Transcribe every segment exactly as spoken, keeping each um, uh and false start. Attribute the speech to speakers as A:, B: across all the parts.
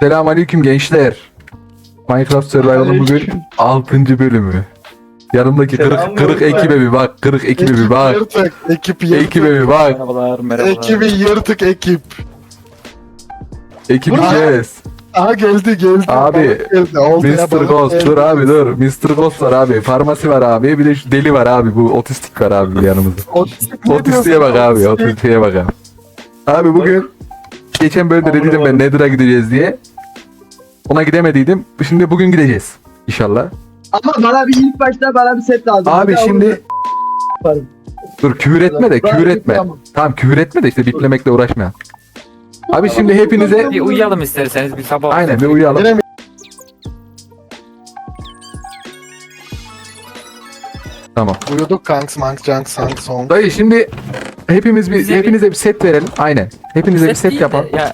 A: Selamünaleyküm gençler. Minecraft Survival'ın bugün altıncı bölümü. Yanımdaki kırık, kırık ekibe bir bak, kırık ekibe bir bak.
B: Yırtık, ekip yırtık.
A: Ekibe bir bak.
C: Merhabalar, merhabalar.
B: Ekibi yırtık ekip.
A: Ekip
B: Dur.
A: yes.
B: Aha geldi geldi.
A: Abi,
B: Balık geldi. Oldu ya,
A: mister
B: balık
A: Ghost
B: geldi.
A: dur abi dur. mister Ghost var abi. Farmasi var abi. Bir de şu deli var abi. Bu otistik var abi yanımızda.
B: Otistik ne
A: Otistiğe bak
B: diyorsun?
A: abi.
B: Otistik.
A: Otistiğe bak abi. Abi bugün geçen bölümde de dedim ben Nether'a gideceğiz diye. Ona gidemediydim. Şimdi bugün gideceğiz. İnşallah.
D: Ama bana bir ilk başta bana bir set lazım.
A: Abi
D: Bir daha
A: şimdi
D: onu yaparım.
A: dur küfür etme de küfür etme.
D: Tamam.
A: Tamam küfür etme de işte biplemekle uğraşma. Abi şimdi hepinize
C: Bir uyuyalım isterseniz bir sabah.
A: aynen bir uyuyalım.
B: Yine mi?
A: Tamam.
B: Uyuduk kanks manks janks sank song.
A: Dayı şimdi hepimiz bir
C: Bize bir-
A: hepinize bir set verelim. Aynen. Hepinize bir set
C: değil de
A: yapalım.
C: Ya,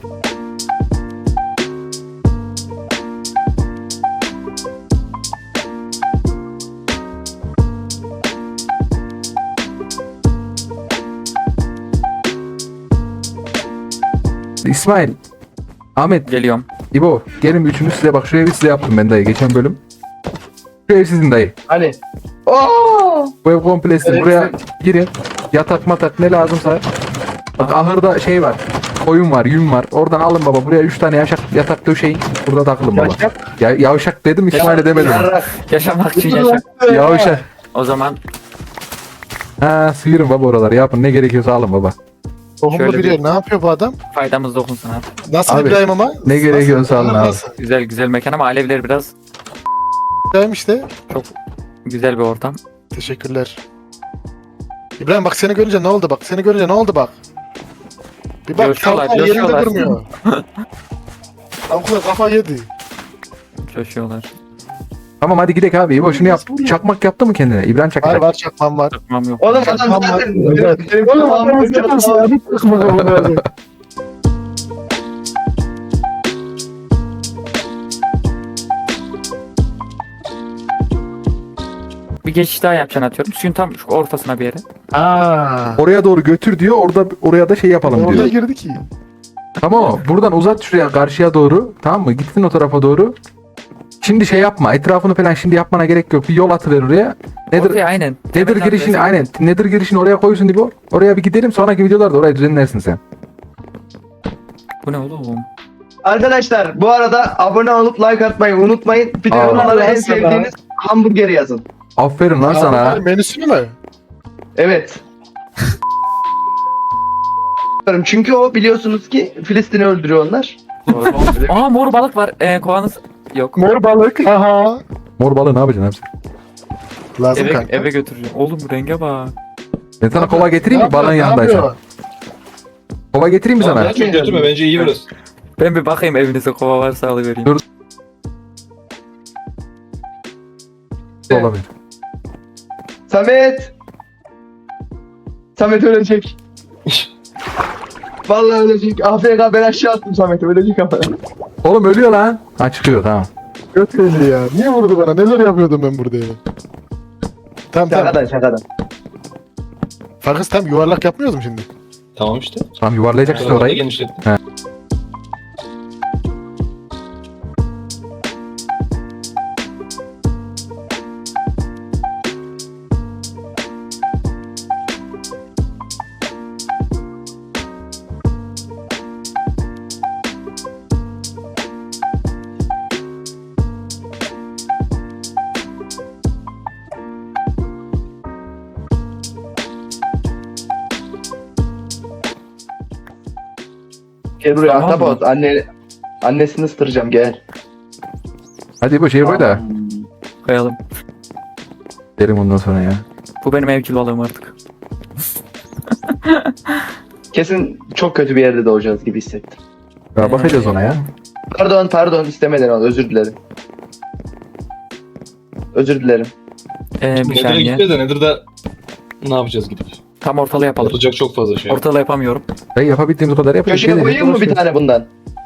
A: İsmail, Ahmet,
C: geliyorum.
A: İbo gelin bir üçünüz size bak şu evi size yaptım ben dayı geçen bölüm. Şu ev sizin dayı.
D: Hani. Oo!
A: Bu ev komplesi.
D: Evet,
A: Buraya girin. Yatak matak ne lazımsa. Bak ahırda şey var. Koyun var, yün var. Oradan alın baba. Buraya üç tane yaşak, yatak döşeyin. Burada takılın baba. Ya, yavşak dedim İsmail'e demedim.
D: Yarrak.
C: Yaşamak için yaşa.
A: Yavşak.
C: O zaman
A: Ha sıyırın baba oraları yapın. Ne gerekiyorsa alın baba.
B: Tohumlu
C: Şöyle
B: bir
C: bir-
B: yer. Ne yapıyor bu adam?
C: faydamız dokunsun abi.
B: Nasıl
A: Abi,
B: İbrahim ama?
A: ne gerekiyorsa
B: Nasıl?
A: alın abi.
B: Nasıl
C: Güzel güzel mekan ama alevler biraz
B: İbrahim işte.
C: çok güzel bir ortam.
B: Teşekkürler. İbrahim bak seni görünce ne oldu bak. Seni görünce ne oldu bak. Bir bak
C: Coşuyorlar,
B: tavuklar yerinde
C: coşuyorlar.
B: durmuyor. Tavuklar kafa yedi.
C: Coşuyorlar.
A: Tamam hadi gidelim abi. İbo şunu yap. Çakmak yaptı mı kendine? İbrahim
B: Var
A: çakacak.
B: var çakmam var.
C: Takmam yok.
D: Oğlum adam
B: Çakmam var.
D: zaten...
B: Evet.
D: Benim
B: Oğlum
D: tamamını
B: adam çakmasın ya. Bir çakmak var.
C: Bir geçiş daha yapacaksın atıyorum. Suyun tam şu ortasına bir yere.
B: Aa.
A: Oraya doğru götür diyor. Orada oraya da şey yapalım
B: Oraya
A: diyor.
B: girdi ki.
A: Tamam mı? Buradan uzat şuraya karşıya doğru. Tamam mı? Gittin o tarafa doğru. Şimdi şey yapma. Etrafını falan şimdi yapmana gerek yok. Bir yol atıver oraya. Nedir?
C: Oraya aynen.
A: Nedir
C: Temelden
A: girişini
C: resim-
A: aynen. Nedir girişini oraya koysun diye bu. Oraya bir gidelim. Sonraki videolarda orayı düzenlersin sen.
C: Bu ne oğlum?
D: Arkadaşlar bu arada abone olup like atmayı unutmayın. Bir de
A: Aa.
D: yorumlara en
B: Nasıl
D: sevdiğiniz hamburgeri yazın.
A: Aferin lan sana.
B: Aa, menüsü mü?
D: Evet. Çünkü o biliyorsunuz ki Filistin'i öldürüyor onlar.
C: Aa mor balık var. Ee, kovanız yok.
B: Mor balık. Aha.
A: Mor balığı ne yapacaksın abi?
B: Lazım
C: Eve,
B: kanka.
C: eve götüreceğim. Oğlum bu renge bak.
A: Ben sana kova getireyim
B: Ne
A: mi balığın
B: yapıyor, ne
A: yanındaysan?
B: yapıyor?
A: Kova getireyim mi sana?
E: Tamam, ya çok götürme bence iyi burası.
C: Ben bir bakayım evinize kova varsa alıvereyim.
A: Dur. Olabilir.
D: Samet! Samet ölecek. Vallahi ölecek. A F K ben aşağı attım Samet'i ölecek ama.
A: Oğlum ölüyor lan. Ha çıkıyor tamam.
B: Göt belli ya. Niye vurdu bana? Neler yapıyordum ben burada ya? Tamam tamam.
D: Şakadan şakadan.
B: Farkız tam yuvarlak yapmıyoruz mu şimdi?
E: Tamam işte.
A: Tamam yuvarlayacak işte
E: Orayı
A: orayı.
E: genişlettim.
D: Gel buraya
C: Tamam mı?
D: Ahtapot. Anne, annesini ısıtıracağım gel.
A: Hadi bu şey koy da.
C: Koyalım.
A: Derim ondan sonra ya.
C: Bu benim evcil balığım artık.
D: Kesin çok kötü bir yerde doğacağız gibi hissettim.
A: Ya bakacağız ona ya.
D: Pardon pardon istemeden oldu özür dilerim. Özür dilerim.
C: Ee, bir
E: Nether'a
C: saniye.
E: gitmeye de Nether'da ne yapacağız gidip?
C: Tam ortalı yapalım.
E: Yapılacak çok fazla şey.
C: Ortalı yapamıyorum.
A: Ben yapabildiğimiz kadar yapacağız.
D: Köşeye
A: Gelin,
D: koyayım mı bir
A: uğraşıyoruz.
D: tane bundan?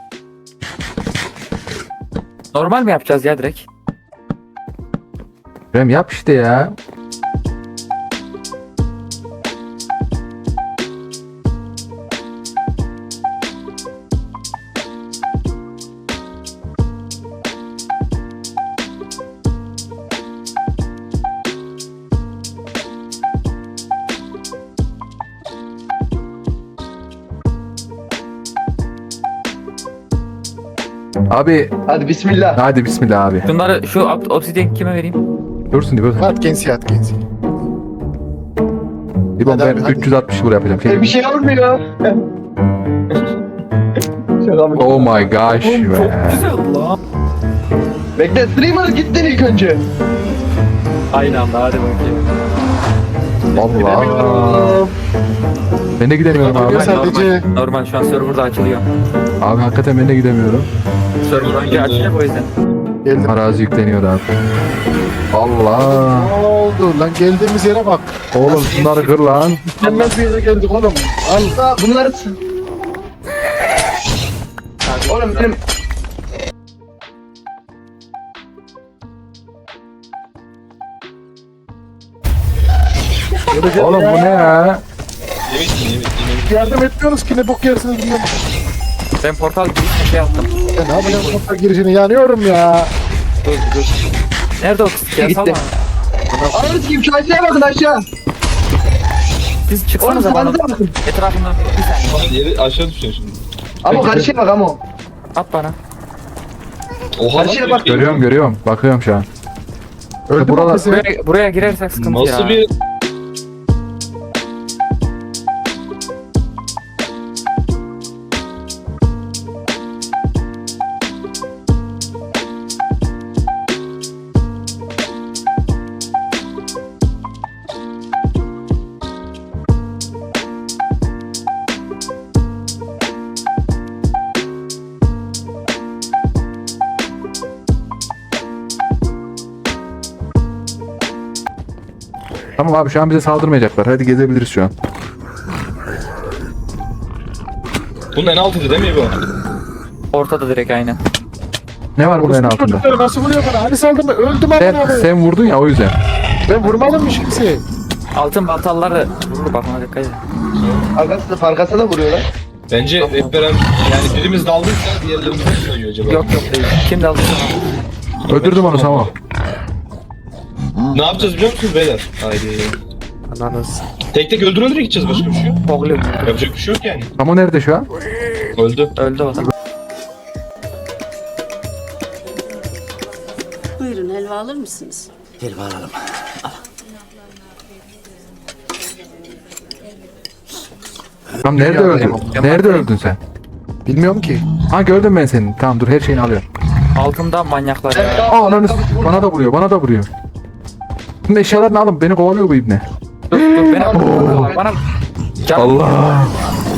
C: Normal mi yapacağız ya direkt?
A: Rem yap işte ya. Abi
D: Hadi bismillah.
A: hadi bismillah abi.
C: Şunları şu ob- obsidian kime vereyim?
A: Dursun İbo.
B: At gensi at gensi.
A: İbo
B: Hadi
A: ben
B: abi, hadi.
A: üç yüz altmış vur yapacağım.
D: E, bir şey olmuyor. Şaka mı?
A: Oh my gosh be.
D: Bekle streamer gittin ilk önce.
C: Aynı anda hadi bakayım.
A: Allah. Ben de gidemiyorum abi.
B: Yok, sadece-
C: Normal, normal şu an serverda açılıyor.
A: Abi hakikaten ben de gidemiyorum.
C: Server önce açılacak o yüzden.
B: Geldim.
A: Arazi yükleniyor abi. Allah.
B: Ne oldu lan, geldiğimiz yere bak.
A: Oğlum şunları kır lan.
B: Mükemmel bir yere geldik oğlum. Al.
D: Aa, bunları... Oğlum benim...
A: Oğlum bu ne ya?
E: Yemek mi yemek yemek.
B: Yardım etmiyoruz ki, ne bok yersiniz bilmem.
C: Ben portal girişine şey yaptım.
B: Ya ne yapacağım sokak girişini, yanıyorum ya.
C: Dur dur. Nerede o kız ya?
D: Gitti.
C: Salma.
D: Ananı sikeyim, şu aşağıya bakın aşağı.
C: Siz
D: Oğlum
C: çıksanıza bana.
D: sağınıza bakın.
C: Etrafından bir saniye.
E: Yeri aşağı düşüyor şimdi.
D: Ama karşıya bak ama.
C: At bana.
E: Oha
D: Karşıya
E: lan,
D: bak.
A: Görüyorum görüyorum. Bakıyorum şu an.
B: Öldü
A: Buralar-
B: mü bizi?
C: Buraya, buraya girersek sıkıntı ya.
E: Nasıl bir
A: Tamam abi şu an bize saldırmayacaklar. Hadi gezebiliriz şu an.
E: bunun en altıydı değil mi bu?
C: Ortada direkt aynen.
A: Ne var bunun en altında?
B: Çocukları nasıl vuruyor bana? Hani saldırma, öldüm
A: Sen,
B: amına koyayım.
A: sen vurdun ya o yüzden.
B: Ben vurmadım hiç kimseyi.
C: Altın baltaları vurur bak ona dikkat edin.
D: Arkasında farkasa da vuruyorlar.
E: Bence hep beraber yani birimiz daldıysa diğerlerimiz nasıl sayıyor acaba?
C: Yok yok değil. Kim daldı sana?
A: Öldürdüm onu tamam.
E: Ne yapacağız biliyor musunuz beyler? Haydi.
B: Ananız.
E: Tek tek öldüre öldüre gideceğiz, başka bir şey yok.
C: Poglu.
E: Yapacak bir şey yok yani.
A: Ama nerede şu an?
E: Öldü.
C: Öldü o da.
F: Buyurun helva alır mısınız?
A: Tamam nerede
B: Dünyada
A: öldün?
B: yok.
A: Nerede öldün sen?
B: Bilmiyorum ki.
A: Ha gördüm ben seni. Tamam dur her şeyini alıyorum.
C: Altında manyaklar ya.
A: Aa ananı s- bana da vuruyor bana da vuruyor. Şimdi eşyalarını alın beni kovalıyor bu ibne.
C: Dur dur beni al. Bana Can-
A: Allah.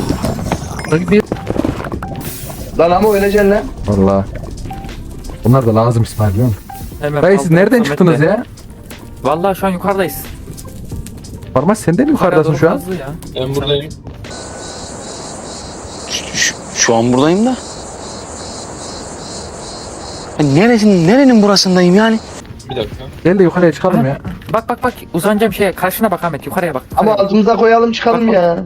D: Lan ama öleceksin lan.
A: Allah. Bunlar da lazım İsmail biliyor musun?
C: Hemen
A: Dayı siz
C: kaldım,
A: nereden
C: Samet
A: çıktınız
C: Bey.
A: ya?
C: Vallahi şu an yukarıdayız.
A: Farmas sen de mi yukarıdasın şu an?
C: Hızlı ya.
E: Ben buradayım.
G: Şu, şu an buradayım da. Ya neresin, nerenin burasındayım yani?
E: Bir dakika.
A: Gel de yukarıya çıkalım ya.
C: Bak bak bak uzanacağım şeye karşına bak Ahmet yukarıya bak.
D: Ama
C: yukarıya bak.
D: altımıza koyalım çıkalım
C: Bak, bak.
D: ya.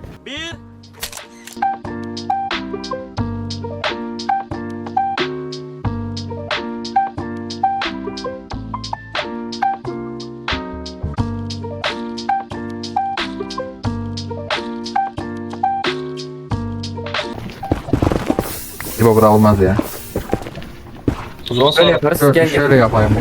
A: İbo bura olmaz ya.
E: O zaman
C: Böyle
E: sağ.
C: yaparız
A: Şöyle,
C: gel gel.
A: şöyle yapayım.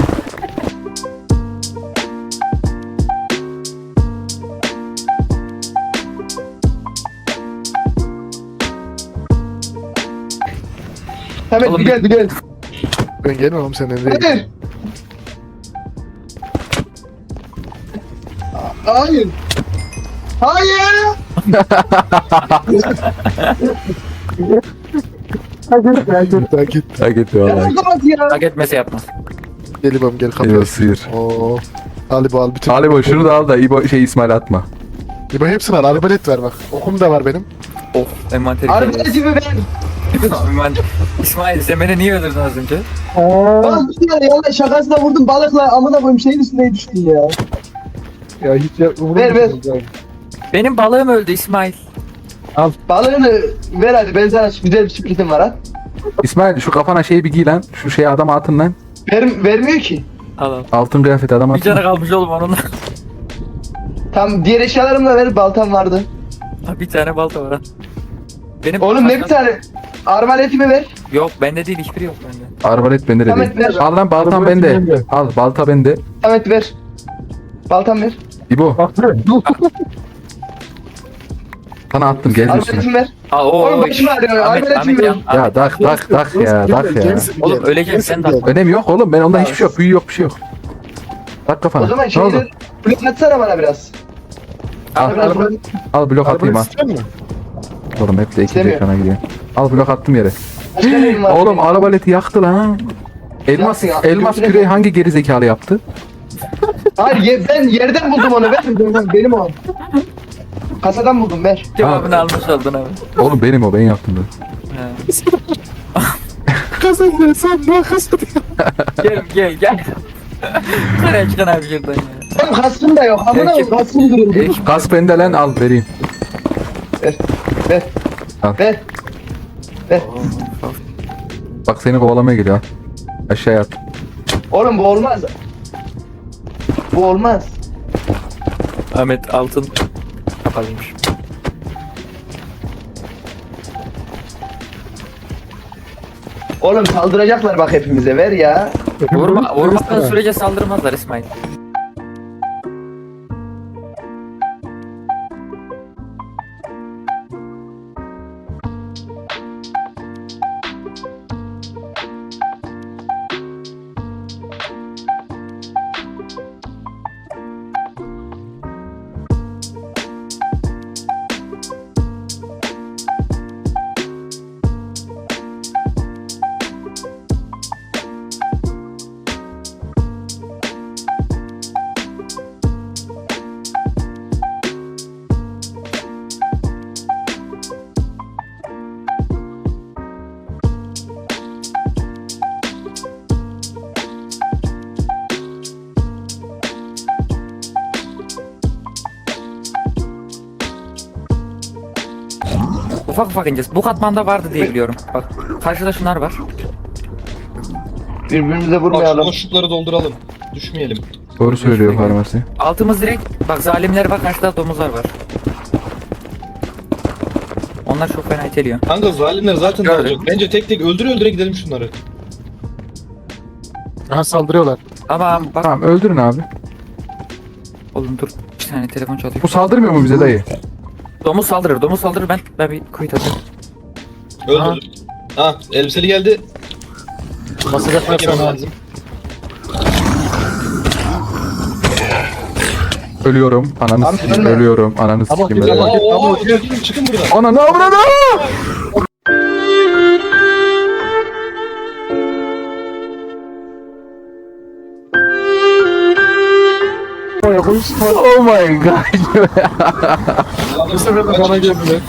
D: Hemen
C: Oğlum,
D: bir gel bir gel.
B: Ben gelmem senin değil.
D: Hayır. Hayır. Hayır.
B: Git git.
A: Ha gitti
D: Ya
A: vallahi.
D: kapat ya.
C: Hak etmese yapmaz.
B: Gel İbam gel
A: İbo
B: kapıyı.
A: sıyır.
B: Oo. Al İbo al bütün.
A: Ali İbo şunu da al da İbo şey İsmail atma.
B: İbo hepsini al. Arbalet ver bak. Okum da var benim.
C: Of envanteri.
D: Arbaletimi ver.
C: Ben... İsmail sen beni niye öldürdün az önce?
D: Oğlum bir tane yalan şakasına vurdum balıkla amına koyayım şeyin üstüne düştün ya.
B: Ya hiç ya,
D: Ver, ver.
C: Benim balığım öldü İsmail.
D: Balığını ver hadi ben sana güzel bir sürprizim var ha.
A: İsmail şu kafana şeyi bir giy lan. Şu şeyi adama atın lan.
D: Ver, vermiyor ki.
C: Al al.
A: Altın kıyafeti adama
C: Bir
A: atın.
C: tane kalmış oğlum onunla.
D: Tam diğer eşyalarımı da ver baltam vardı.
C: bir tane balta var ha. Benim
D: Oğlum ne bir tane. arbaletimi ver.
C: Yok bende değil, hiçbiri yok bende.
A: Arbalet bende de
D: Samet,
A: değil.
D: ver.
A: Al lan baltam
B: Arbalet
A: bende.
B: bende.
A: Al balta bende.
D: Samet ver. Baltam ver.
A: İbo. Sana attım gel üstüne.
D: Arbaletimi ver.
C: Aa, o,
D: Oğlum
C: o,
D: başım ağrıyor.
C: Ahmet,
D: Arbaletimi
C: Ahmet
D: ver.
C: yan-
A: Ya
C: Ahmet.
A: dak dak dak ya dak ya.
C: Oğlum öleceğim, sen de at.
A: Önemi yok oğlum, ben onda hiçbir şey yok. Büyü yok, bir şey yok. Tak kafana.
D: O zaman
A: Ne oldu?
D: şeyleri blok atsana bana biraz.
A: Al,
D: Biraz blok-
A: al blok atayım
B: Arbalet
A: al.
B: istiyor musun?
A: Oğlum hep de ikinci
D: İstemiyor.
A: ekrana gidiyor. Al blok attım yere.
D: Başka neyim var?
A: Oğlum arabaleti yaktı lan. Elmas
D: Yaktı, yaktı.
A: elmas
D: Götürelim.
A: küreği hangi geri zekalı yaptı?
D: Hayır ye- ben yerden buldum onu. Ver. Benim o. Kasadan buldum ver.
C: Cevabını almış oldun abi.
A: Oğlum benim o, ben yaptım da.
C: Ha.
B: Kazandı sen ne kazandın?
C: Gel gel gel. Nereye çıkan abi şuradan ya.
D: Benim kaskım da yok. Amına
C: Ekip-
D: koyayım kaskım duruyor.
C: Ekip-
A: Kask bende lan, al vereyim.
D: Ver. Ver.
A: Al.
D: Ver. Ver.
A: Bak seni kovalamaya geliyor al. Aşağıya at.
D: Oğlum bu olmaz. Bu olmaz.
C: Ahmet altın kapalıymış.
D: Oğlum saldıracaklar bak hepimize ver ya.
C: Vurma, vurmadığın sürece saldırmazlar İsmail. Ufak ufak ineceğiz. Bu katmanda vardı diye biliyorum. Bak karşıda şunlar var.
D: Birbirimize
E: Bak şu
D: vurmayalım.
E: boşlukları dolduralım. Düşmeyelim.
A: Doğru söylüyor farmasi.
C: Altımız direkt, bak zalimler var, karşıda domuzlar var. Onlar çok fena iteliyor.
E: Kanka zalimler zaten
C: Gördüm.
E: dalacak. Bence tek tek öldüre öldüre gidelim şunları.
B: Aha saldırıyorlar.
C: Ama bak
A: Tamam öldürün abi.
C: oğlum dur. Bir tane telefon çalıyor.
A: Bu saldırmıyor mu bize dayı?
C: Domuz saldırır, domuz saldırır, ben ben bir kuyut atayım.
E: Öldür. Ha elbiseli geldi.
B: Basacaklar
E: Yemen
B: sana.
E: lazım.
A: Ölüyorum. Ananı
D: Abi,
A: sikeyim
D: ölme.
A: ölüyorum. Ananı
B: Ama
A: sikeyim
B: güzel
A: ölüyorum.
B: bak.
E: Oo, oo, çıkın, çıkın buradan.
A: Ananı avradı! Oh my god.
B: Bu sefer de bana geldiler.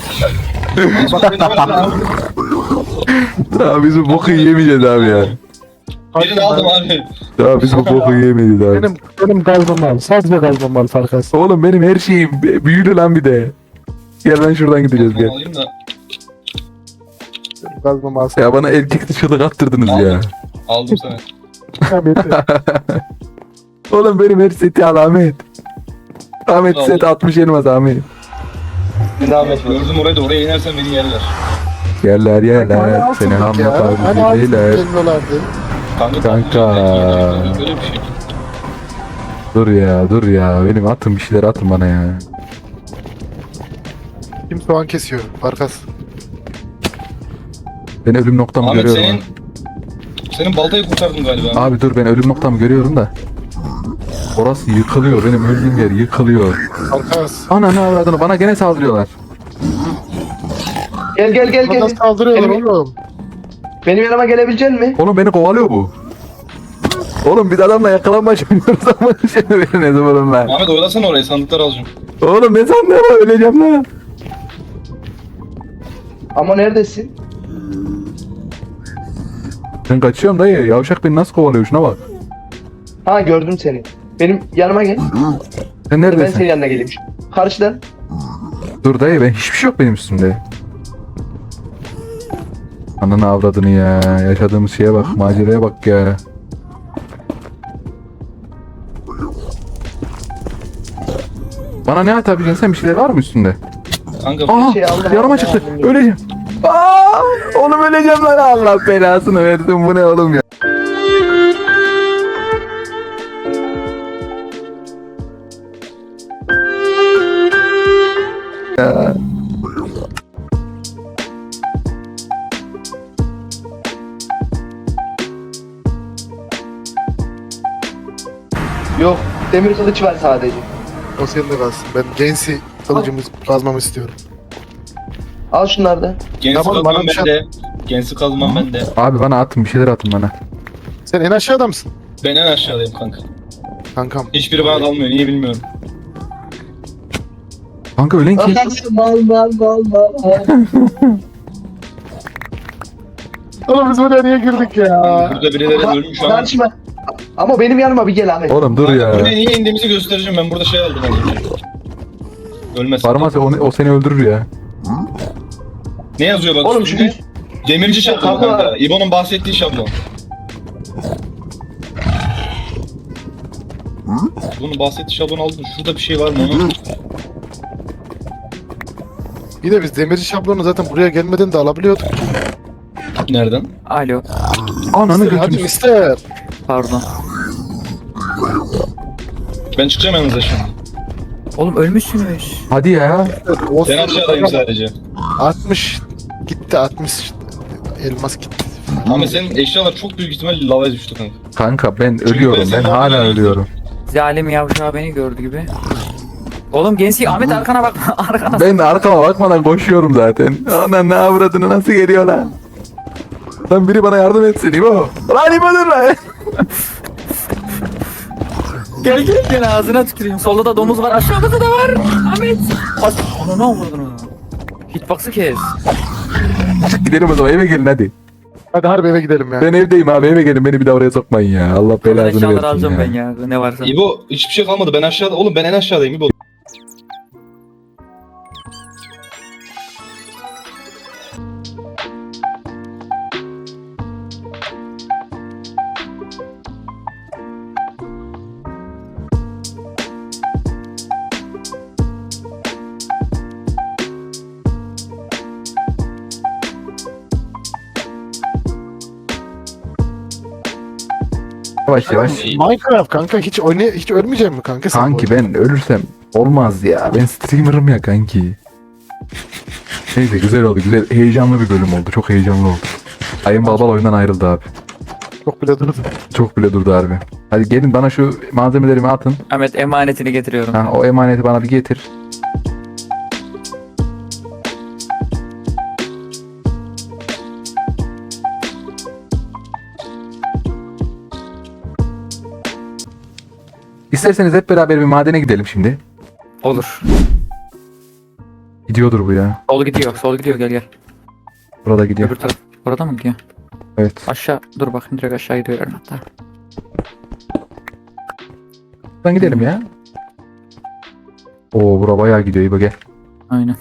A: Daha biz bu boku yemeyeceğiz abi ya.
E: Birini aldım abi.
A: Daha biz bu boku yemeyiz abi.
B: Benim benim gazmam var. Sadece gazmam var farkası.
A: Oğlum benim her şeyim b- büyülü lan bir de. Gel ben şuradan gideceğiz gel.
E: Alayım da.
B: Gazmam alsın.
A: Ya bana erkek dışılık attırdınız ya.
E: Aldım sana.
A: Oğlum benim her seti al Ahmet. Ahmet
E: Aldım.
A: set altmış elmas Ahmet.
D: Zahmet ver.
E: Gördüm orayı da oraya inersen beni yerler.
A: Yerler yerler seni
B: Hani altın
A: hamla
B: gelmiyorlardı.
E: Kanka.
A: Kanka.
E: Böyle bir şey.
A: Dur ya dur ya benim atın bir şeyler atın bana ya.
B: Kim soğan kesiyor? Farkas.
A: Ben ölüm noktamı
E: Ahmet
A: görüyorum.
E: senin senin baltayı kurtardım galiba.
A: Abi. Abi dur ben ölüm noktamı görüyorum da. Orası yıkılıyor benim öldüğüm yer yıkılıyor.
B: Farkas.
A: Ana ne avradını bana gene saldırıyorlar.
D: Gel gel gel
B: Bana
D: gel.
B: saldırıyorlar
D: Benim,
B: oğlum.
D: benim yanıma gelebilecek misin?
A: Oğlum beni kovalıyor bu. Oğlum biz adamla yakalanmaç oynuyoruz ama şimdi beni ne zaman ben.
E: Ahmet oylasana orayı sandıkları alacağım.
A: Oğlum ne sandın ama öleceğim lan.
D: Ama neredesin?
A: Ben kaçıyorum dayı. Yavşak beni nasıl kovalıyor şuna bak.
D: Ha gördüm seni. Benim yanıma gel.
A: Sen
D: Ben
A: neredesin?
D: senin yanına geleyim. Karşıdan.
A: Dur dayı ben hiçbir şey yok benim üstümde. Ananı avradını ya. Yaşadığımız şeye bak. Maceraya bak ya. Bana ne atabileceksin sen, bir şeyler var mı üstünde?
E: Kanka
A: Aha
D: şey aldım,
A: yarama
D: aldım,
A: çıktı.
D: aldım.
A: Öleceğim. Aa! Oğlum öleceğim lan, Allah belasını versin, bu ne oğlum ya. Ya.
D: Yok. Demir kılıç var sadece.
B: O senin de kalsın. Ben Gensi kılıcımı kazmamı istiyorum.
D: Al şunları da.
E: Gensi
B: Tamam, bana
E: kazmam
B: bir şey-
E: bende. Gensi kazmam bende.
A: Abi bana atın, bir şeyler atın bana.
B: Sen en aşağıda mısın?
E: Ben en aşağıdayım kanka.
B: Kankam.
E: Hiçbiri bana dalmıyor. Niye bilmiyorum.
A: Kanka ölen kim?
D: Mal mal mal mal.
B: Oğlum biz buraya niye girdik ya?
E: Burada birileri ölmüş şu an.
D: Karşıma. Ama benim yanıma bir gel Ahmet.
A: Oğlum dur ya.
E: Buraya niye indiğimizi göstereceğim. Ben burada şey aldım az önce. Ölmez.
A: Parmaz, o, o seni öldürür ya.
E: Ne yazıyor bak
D: Oğlum
E: üstünde?
D: şu
E: Demirci şablon
D: Kanka.
E: kanka. İbo'nun bahsettiği şablon. Bunun bahsettiği şablon aldım. Şurada bir şey var mı onun?
B: Bir de biz demirci şablonu zaten buraya gelmeden de alabiliyorduk.
E: Nereden?
C: Alo.
A: Ananı
B: Hadi
A: götürmüş.
B: mister.
C: Pardon.
E: Ben çıkacağım yanınıza şimdi.
C: Oğlum ölmüşsünüz.
A: Hadi ya.
B: O
E: Ben aşağıdayım sadece.
B: altmış gitti altmış elmas gitti.
E: Ama senin eşyalar çok büyük ihtimalle lavaya düştü kanka.
A: Kanka ben ölüyorum, ben hala ölüyorum.
C: Zalim yavşağı beni gördü gibi. Oğlum Gensi Ahmet arkana bak. Arkana.
A: Ben de arkama bakmadan koşuyorum zaten. Ana ne avradını, nasıl geliyor lan? Lan biri bana yardım etsin İbo. Lan İbo dur lan.
C: Gel gel gel ağzına tüküreyim. Solda da domuz var, aşağıda da var. Ahmet. As onu ne oldu onu? Hitbox'ı kes.
A: Gidelim o zaman, eve gelin hadi.
B: Hadi harbi eve gidelim ya.
A: Ben evdeyim abi, eve gelin, beni bir daha oraya sokmayın ya. Allah
C: Ben
A: belasını
C: eşyaları
A: versin
C: alacağım
A: ya.
C: ben ya. Ne varsa.
E: İbo hiçbir şey kalmadı. Ben aşağıda. Oğlum ben en aşağıdayım İbo.
A: Yavaş yavaş.
B: Minecraft kanka hiç oynay hiç ölmeyecek mi kanka sen?
A: Kanki
B: bu oyunda?
A: ben ölürsem olmaz ya. Ben streamer'ım ya kanki. Neyse güzel oldu, güzel. Heyecanlı bir bölüm oldu. Çok heyecanlı oldu. Ayın Balbal oyundan ayrıldı abi.
B: Çok bile durdu.
A: Çok bile durdu harbi. Hadi gelin bana şu malzemelerimi atın.
C: Ahmet emanetini getiriyorum.
A: Ha, o emaneti bana bir getir. İsterseniz hep beraber bir madene gidelim şimdi.
C: Olur.
A: Gidiyordur bu ya.
C: Sol gidiyor. Sol gidiyor. Gel gel.
A: Burada gidiyor.
C: Öbür taraf. Orada mı gidiyor?
A: Evet.
C: Aşağı. Dur bakayım direkt aşağı gidiyor hatta.
A: Buradan gidelim ya. Oo bura bayağı gidiyor. İyi bak gel.
C: Aynen.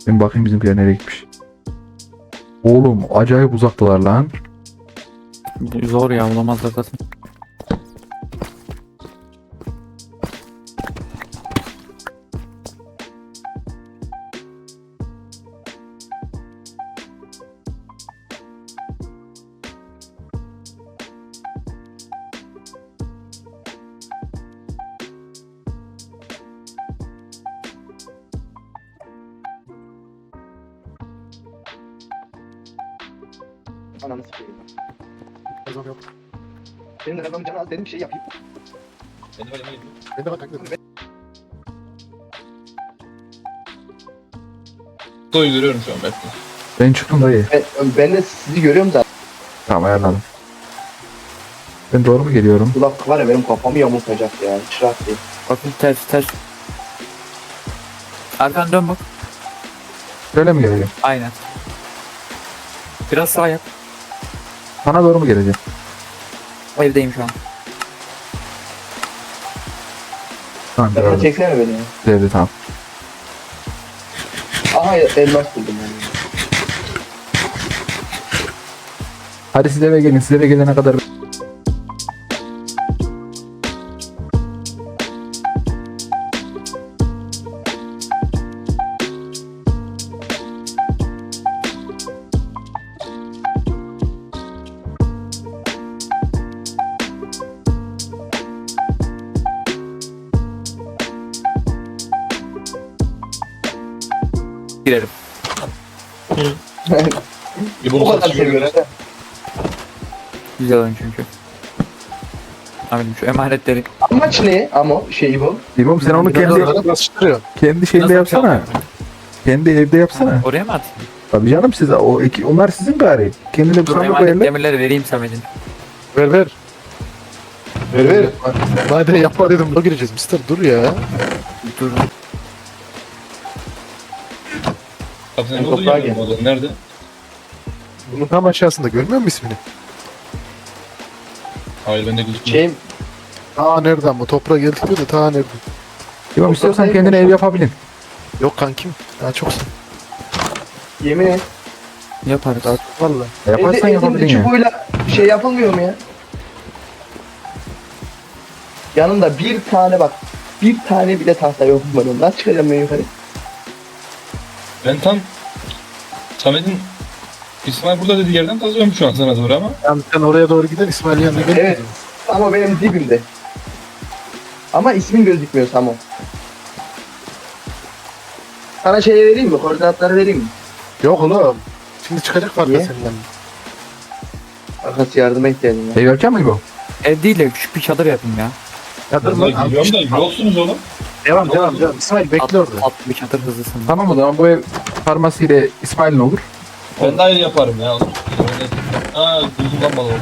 A: Şimdi bakayım bizimkiler nereye gitmiş. Oğlum acayip uzaktılar lan.
C: Zor ya, bulamazlar zaten.
D: Ananı sikeyim. Benim de kafamın canı az dedim bir şey yapayım.
E: Ben de var yanına gidiyorum.
B: Ben de bak kanka.
E: Doyu görüyorum şu an Berk'te.
A: Ben çıktım dayı.
D: Ben, ben de sizi görüyorum zaten.
A: Tamam ayarladım. Ben doğru mu geliyorum?
D: Kulak var ya benim kafamı yamultacak ya. Hiç rahat değil.
C: Bakın ters ters. Arkan dön bak.
A: Şöyle mi geleceğim?
C: Aynen. Biraz sağ yap.
A: Sana doğru mu geleceğim?
C: Evdeyim şu an.
A: Tamam
D: Sen
A: gördüm.
D: çeksene beni ya.
A: Devre tamam.
D: Aha elmas buldum yani.
A: Hadi siz eve gelin. Siz eve gelene kadar
C: Girelim.
E: Bir
D: Bu
E: bunu
D: kadar
E: satışıyor.
D: seviyorum.
C: Güzel oyun çünkü. Amirim şu emanetleri.
D: Amaç ne? Ama şey bu.
A: İmam sen onu kendi
B: Biraz basıştırıyor.
A: kendi şeyinde
C: Nasıl
A: yapsana.
C: yapacağım?
A: Kendi evde yapsana.
C: Oraya mı atayım?
A: Tabii canım size o iki, onlar sizin gari. Kendine bir
C: Dur
A: sandık
C: emanet
A: koyarlar.
C: demirleri vereyim Samet'in.
B: Ver ver.
D: Ver ver.
B: Madem yapma dedim. Buna gireceğiz mister. Dur ya.
C: Dur.
E: Kapı sen ne
D: Toprağa
E: olduğunu
D: gel.
E: yapıyorum oğlum. Nerede?
B: Bunun tam aşağısında görmüyor musun ismini?
E: Hayır bende gözükmüyor.
D: Şey
B: Ta nereden bu? Toprağa geldik diyor da ta nereden?
A: İmam istiyorsan
D: Ortada
A: kendine
D: yapmış.
A: ev yapabilin.
B: Yok kankim. Daha çoksun.
D: yemin et.
C: Yaparız.
B: Daha çok valla.
A: Yaparsan
D: Elde-
A: yapabilin
D: elimde
A: ya.
D: çubuğuyla şey yapılmıyor mu ya? Yanında bir tane bak. Bir tane bile tahta yok benim. Nasıl çıkacağım ben yukarı?
E: Ben tam Samet'in İsmail burada dediği yerden kazıyorum şu an sana doğru ama.
B: Yani sen oraya doğru giden İsmail yanına gel.
D: Evet. Ama benim dibimde. Ama ismin gözükmüyor Samo. Sana şey vereyim mi? Koordinatları vereyim mi?
B: Yok oğlum. Şimdi çıkacak farkı
D: Niye?
B: senin yanına.
D: Arkası yardıma ihtiyacım var.
A: Ev yapacak mı İbo?
C: Ev değil de küçük bir çadır yapayım ya.
B: Ya dur
E: Ben
B: lan.
E: geliyorum da yoksunuz oğlum.
B: Devam devam devam. İsmail bekle
C: At,
B: orada.
C: at bir çadır hızlısın.
A: Tamam o zaman bu ev farmasiyle İsmail'in olur.
E: Ben de ayrı yaparım ya. Oğlum. Aa gözüm lan bana oldu.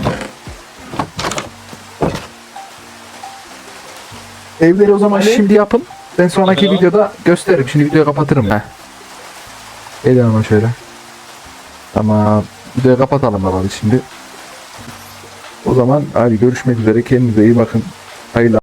A: Evleri o zaman
D: Ali?
A: şimdi yapın. Ben sonraki
E: Tamam.
A: videoda gösteririm. Şimdi videoyu kapatırım ben. Gelin ama şöyle. Tamam. Videoyu kapatalım bakalım şimdi. O zaman hadi görüşmek üzere. Kendinize iyi bakın. Hayırlı